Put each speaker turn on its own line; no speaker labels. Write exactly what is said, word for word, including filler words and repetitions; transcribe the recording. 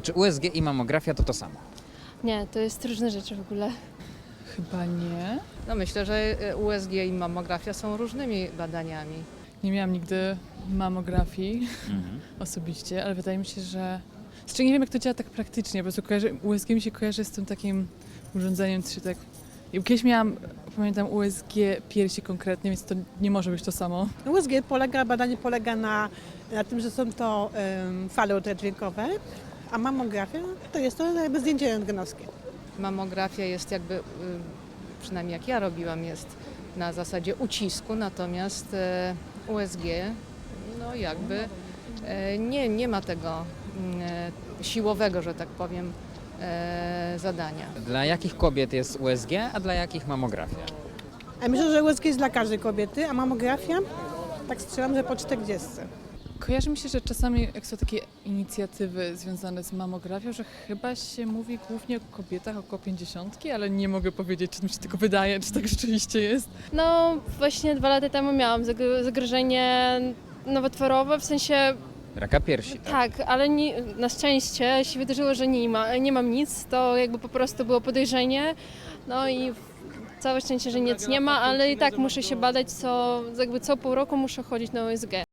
Czy U S G i mamografia to to samo?
Nie, to jest różne rzeczy w ogóle.
Chyba nie.
No myślę, że U S G i mammografia są różnymi badaniami.
Nie miałam nigdy mamografii
Mhm.
osobiście, ale wydaje mi się, że... Znaczy nie wiem, jak to działa tak praktycznie, po prostu kojarzy... U S G mi się kojarzy z tym takim urządzeniem, co się tak... I kiedyś miałam, pamiętam, U S G piersi konkretnie, więc to nie może być to samo.
U S G polega, badanie polega na, na tym, że są to um, fale ultradźwiękowe, a mammografia to jest to jakby zdjęcie rentgenowskie.
Mammografia jest jakby, y, przynajmniej jak ja robiłam, jest na zasadzie ucisku, natomiast e, U S G no jakby e, nie, nie ma tego e, siłowego, że tak powiem, e, zadania.
Dla jakich kobiet jest U S G, a dla jakich mamografia?
A myślę, że U S G jest dla każdej kobiety, a mammografia, tak strzelam, że po czterdziestce.
Kojarzy mi się, że czasami jak są takie inicjatywy związane z mammografią, że chyba się mówi głównie o kobietach około pięćdziesiątki, ale nie mogę powiedzieć, czy mi się tylko wydaje, czy tak rzeczywiście jest.
No właśnie dwa lata temu miałam zag- zagrożenie nowotworowe, w sensie
Raka piersi, tak?
tak, ale nie, na szczęście się wydarzyło, że nie, ma, nie mam nic, to jakby po prostu było podejrzenie, no i całe szczęście, że nic nie ma, ale i tak muszę się badać, co, jakby co pół roku muszę chodzić na U S G.